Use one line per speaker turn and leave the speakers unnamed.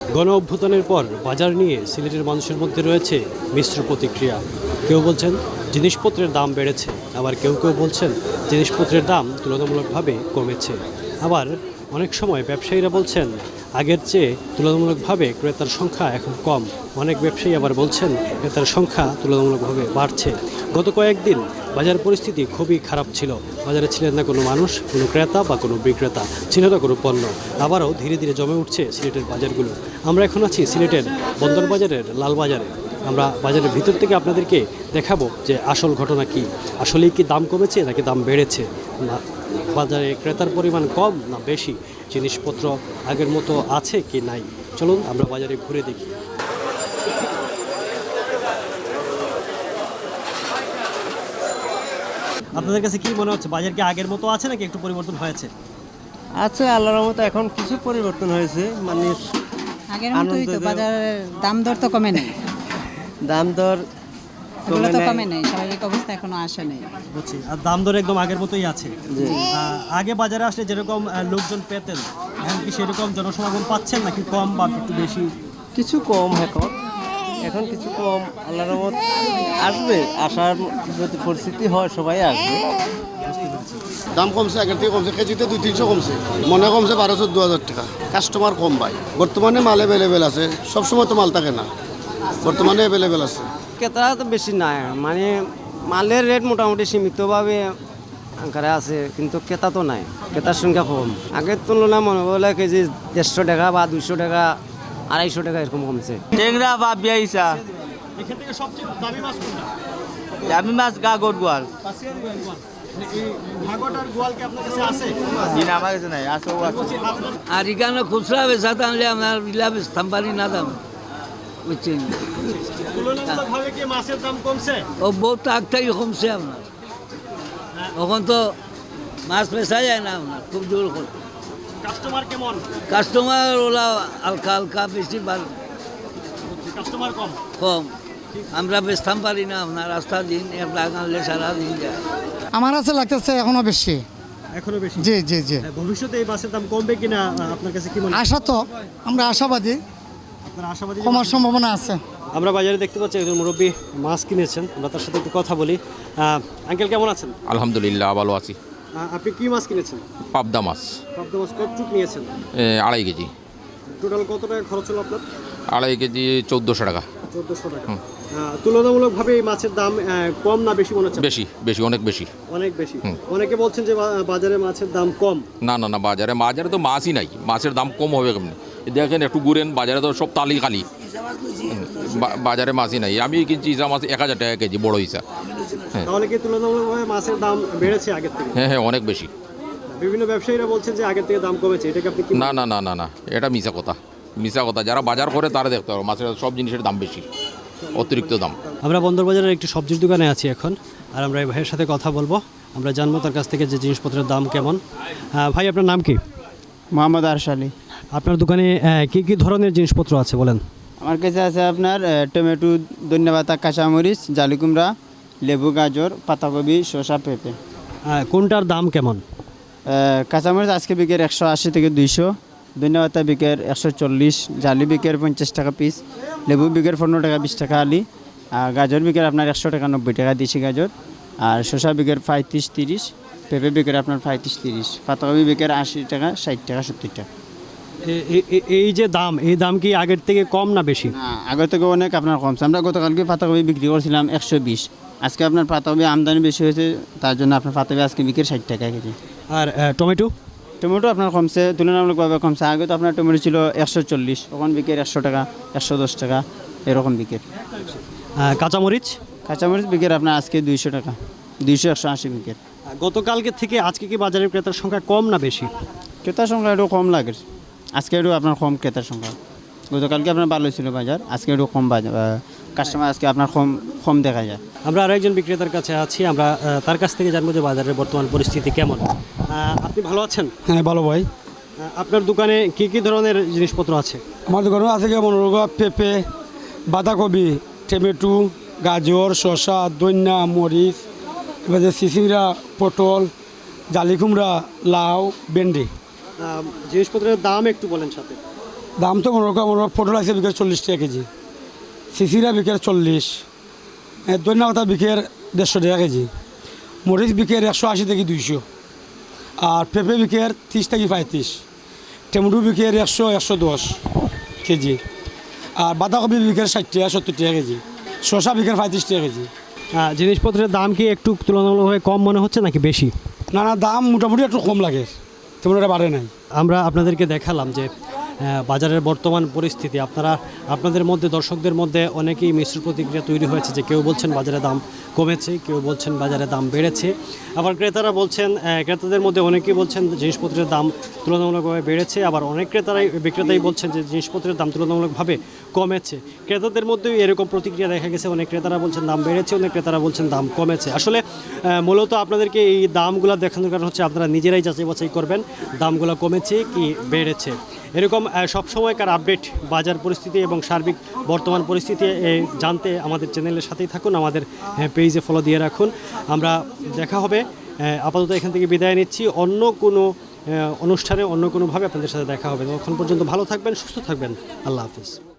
গণ অভ্যুত্থানের পর বাজার নিয়ে সিলেটের মানুষের মধ্যে রয়েছে মিশ্র প্রতিক্রিয়া। কেউ বলছেন জিনিসপত্রের দাম বেড়েছে, আবার কেউ কেউ বলছেন জিনিসপত্রের দাম তুলনামূলকভাবে কমেছে। আবার অনেক সময় ব্যবসায়ীরা বলছেন আগের চেয়ে তুলনামূলকভাবে ক্রেতার সংখ্যা এখন কম। অনেক ব্যবসায়ী আবার বলছেন ক্রেতার সংখ্যা তুলনামূলকভাবে বাড়ছে। গত কয়েকদিন বাজার পরিস্থিতি খুবই খারাপ ছিল। বাজারে ছিলেন না কোনো মানুষ, কোনো ক্রেতা বা কোনো বিক্রেতা, ছিল না কোনো পণ্য। আবারও ধীরে ধীরে জমে উঠছে সিলেটের বাজারগুলো। আমরা এখন আছি সিলেটের বন্দর বাজারের লালবাজারে। আমরা বাজারের ভিতর থেকে আপনাদেরকে দেখাবো যে আসল ঘটনা কি, আসলেই কি দাম কমেছে নাকি দাম বেড়েছে, না বাজারে ক্রেতার পরিমাণ কম না বেশি, জিনিসপত্র আগের মতো আছে কি নাই। চলুন আমরা বাজারে ঘুরে দেখি। আপনাদের কাছে কি মনে হচ্ছে, বাজার কি আগের মতো আছে নাকি একটু পরিবর্তন হয়েছে?
আছে আল্লাহর রহমতে এখন কিছু পরিবর্তন হয়েছে, মানে
আগের মতোই তো বাজারের দাম দর তো কমে নেই,
দাম দর
এগুলো তো কমে নেই, স্বাভাবিক অবস্থা এখনো আসে নেই।
বুঝছি। আর দাম দর একদম আগের মতোই আছে। আগে বাজারে আসলে যেরকম লোকজন পেতেন, এখন কি সেরকম জনসমাগম পাচ্ছেন নাকি কম বা একটু বেশি?
কিছু কম এখন কিছু কম, আল্লাহর রহমত আসবে, আসার যদি পরিস্থিতি হয় সবাই আসবে।
দাম কমছে, আগের থেকে কমছে, কেজিতে 200-300 কমছে, মনে কমছে 1200-2000 টাকা। কাস্টমার কম ভাই, বর্তমানে মাল অ্যাভেলেবেল আছে, সবসময় তো মাল থাকে না, বর্তমানে অ্যাভেলেবেল আছে।
ক্রেতা তো বেশি নাই, মানে মালের রেট মোটামুটি সীমিতভাবে আকারে আছে, কিন্তু ক্রেতা তো নাই, ক্রেতার সংখ্যা কম। আগের তুলনায় মনে করলে কেজি 150 টাকা বা 200 টাকা, 250 টাকা এরকম কমছে।
টেংরা বা বিয়াইছা
এখান থেকে সবচেয়ে দামি মাছ কোনটা?
আমি মাছ গাগর গোয়াল
ভাগট আর গোয়াল কি আপনার কাছে আছে?
জি না, আমার কাছে নাই, আছে ও আছে।
আর এখানে খুচরা বেচাতে আনলে আপনার ইলাভ স্থাম্পানি না দাম, বুঝছেন?
তুলনামূলকভাবে কি মাছের দাম কমছে?
ও বহুত আগ থেকে কমছে আপনার। এখন তো মাছ বেচা যায় না আপনার, খুব জোর করে।
কাস্টমার কেমন?
কাস্টমার ওলা হালকা হালকা বেশি
কাস্টমার কম।
কম। আমরা বেচতাম পারি না আপনার, রাস্তা দিন এক লাখ আনলে সারা দিন যায়।
আমার কাছে লাগতেছে এখনো বেশি।
এখনো বেশি?
জি জি জি।
ভবিষ্যতে এই মাছের দাম কমবে কিনা আপনার কাছে কি মনে হয়?
আশা তো আমরা আশাবাদী,
আপনার আশাবাদী?
কমার সম্ভাবনা আছে।
আমরা বাজারে দেখতে পাচ্ছি একজন মুরব্বী মাছ কিনেছেন, আমরা তার সাথে একটু কথা বলি। আঙ্কেল কেমন আছেন?
আলহামদুলিল্লাহ ভালো আছি।
আপনি কি মাছ কিনেছেন?
পাবদা মাছ
পাবদা মাছ কতটুক নিয়েছেন?
2.5 কেজি।
টোটাল কত টাকা খরচ হলো আপনার?
2.5 কেজি 1400 টাকা।
1400 টাকা। তুলনামূলকভাবে এই মাছের দাম কম না বেশি মনে হচ্ছে?
বেশি বেশি, অনেক বেশি।
অনেক বেশি। অনেকে বলছেন যে বাজারে মাছের দাম কম।
না না না, বাজারে তো মাছই নাই, মাছের দাম কম হবে কেমনি? দেখেন একটু ঘুরেন, বাজারে তো সব তালি খালি, বাজারে মাছই নাই। আমি কিনছি ইসা মাছ 1000 টাকা কেজি, বড় ইসা। হ্যাঁ,
তাহলে কি তুলনামূলকভাবে মাছের দাম বেড়েছে আগের থেকে?
হ্যাঁ হ্যাঁ, অনেক বেশি।
বিভিন্ন ব্যবসায়ীরা বলছেন যে আগের থেকে দাম কমেছে, এটাকে আপনি কি?
না না না না না, এটা মিছা কথা, মিছা কথা। যারা বাজার করে তারা দেখতে পারো, মাছের সব জিনিসের দাম বেশি, অতিরিক্ত দাম।
আমরা বন্দর বাজারের একটি সবজির দোকানে আছি এখন, আর আমরা এই ভাইয়ের সাথে কথা বলবো। আমরা জানবো তার কাছ থেকে যে জিনিসপত্রের দাম কেমন। ভাই, আপনার নাম কি?
মোহাম্মদ আরশালি।
আপনার দোকানে কি কি ধরনের জিনিসপত্র আছে বলেন?
আমার কাছে আছে আপনার টমেটো, ধন্যপাতা, কাঁচামরিচ, জালি কুমড়া, লেবু, গাজর, পাতাকপি, শসা, পেঁপে।
কোনটার দাম কেমন?
কাঁচামরিচ আজকে বিকের 180 থেকে 200, ধন্যপাতা বিকের 140, জালি বিকের 50 টাকা পিস, লেবু বিকের 15 টাকা 20 টাকা আলি, আর গাজর বিকের আপনার 100 টাকা 90 টাকা দেশি গাজর, আর শসা বিকের 35-30, পেঁপে বিকের আপনার 35-30, পাতাকপি বিকের 80 টাকা 60 টাকা 70 টাকা।
এই যে দাম, এই দাম কি আগের থেকে কম না বেশি?
আগের থেকে অনেক আপনার কমছে। আমরা গতকালকে পাতাকপি বিক্রি করছিলাম 120, আজকে আপনার পাতাকপি আমদানি বেশি হয়েছে, তার জন্য আপনার পাতাকপি আজকে বিক্রি 60 টাকা কেজি।
আর টমেটো?
টমেটো আপনার কমছে, তুলনামূলকভাবে কমছে। আগে তো আপনার টমেটো ছিল 140, এখন বিকের 100 টাকা 110 টাকা এরকম বিকের।
কাঁচামরিচ?
কাঁচামরিচ বিকের আপনার আজকে 200 টাকা, 200-180 বিকের।
গতকালকে থেকে আজকে কি বাজারের ক্রেতার সংখ্যা কম না বেশি?
ক্রেতার সংখ্যা একটু কম লাগে, আজকে একটু আপনার কম ক্রেতার সংখ্যা। গতকালকে আপনার ভালো ছিল বাজার, আজকে একটু কম বাজার, কাস্টমার আজকে আপনার কম দেখা যায়।
আমরা আরও একজন বিক্রেতার কাছে আছি, আমরা তার কাছ থেকে জানবো যে বাজারের বর্তমান পরিস্থিতি কেমন। আপনি ভালো আছেন?
হ্যাঁ ভালো ভাই।
আপনার দোকানে কি কি ধরনের জিনিসপত্র আছে?
আমার দোকানে আছে যেমন পেঁপে, বাঁধাকপি, টমেটো, গাজর, শসা, ধনিয়া, মরিচ, এবার যে চিচিড়া, পটল, জালি কুমড়া, লাউ, ভেন্ডি।
জিনিসপত্রের দাম একটু বলেন সাথে।
দাম তো মনে করো পটল আছে বিকেল 40 টাকা কেজি, সিসিরা বিকেল 40, দৈন্য পাতা বিকেল 150 টাকা কেজি, মরিচ বিকেল 180 থেকে 200, আর পেঁপে বিকেল 30 থেকে 35, টমেটো বিকেল 100-110 কেজি, আর বাঁধাকপি বিকেল 60 টাকা 70 টাকা কেজি, শসা বিকেল 35 টাকা কেজি।
জিনিসপত্রের দাম কি একটু তুলনামূলকভাবে কম মনে হচ্ছে নাকি বেশি?
না দাম মোটামুটি একটু কম লাগে, তেমন একটা বাড়ে নাই।
আমরা আপনাদেরকে দেখালাম যে বাজারের বর্তমান পরিস্থিতি। আপনাদের মধ্যে, দর্শকদের মধ্যে অনেকেই মিশ্র প্রতিক্রিয়া তৈরি হয়েছে, যে কেউ বলছেন বাজারে দাম কমেছে, কেউ বলছেন বাজারে দাম বেড়েছে, আবার ক্রেতারা বলছেন, ক্রেতাদের মধ্যে অনেকেই বলছেন জিনিসপত্রের দাম তুলনামূলকভাবে বেড়েছে, আবার অনেক বিক্রেতাই বলছেন যে জিনিসপত্রের দাম তুলনামূলকভাবে কমেছে। ক্রেতাদের মধ্যেও এরকম প্রতিক্রিয়া দেখা গেছে, অনেক ক্রেতারা বলছেন দাম বেড়েছে, অনেক ক্রেতারা বলছেন দাম কমেছে। আসলে মূলত আপনাদেরকে এই দামগুলো দেখানোর কারণ হচ্ছে আপনারা নিজেরাই যাচাই বাছাই করবেন দামগুলো কমেছে কি বেড়েছে। এরকম সবসময়কার আপডেট বাজার পরিস্থিতি এবং সার্বিক বর্তমান পরিস্থিতি জানতে আমাদের চ্যানেলের সাথেই থাকুন, আমাদের পেজে ফলো দিয়ে রাখুন। আমরা দেখা হবে, আপাতত এখান থেকে বিদায় নিচ্ছি। অন্য কোনো অনুষ্ঠানে অন্য কোনোভাবে আপনাদের সাথে দেখা হবে। তখন পর্যন্ত ভালো থাকবেন, সুস্থ থাকবেন। আল্লাহ হাফিজ।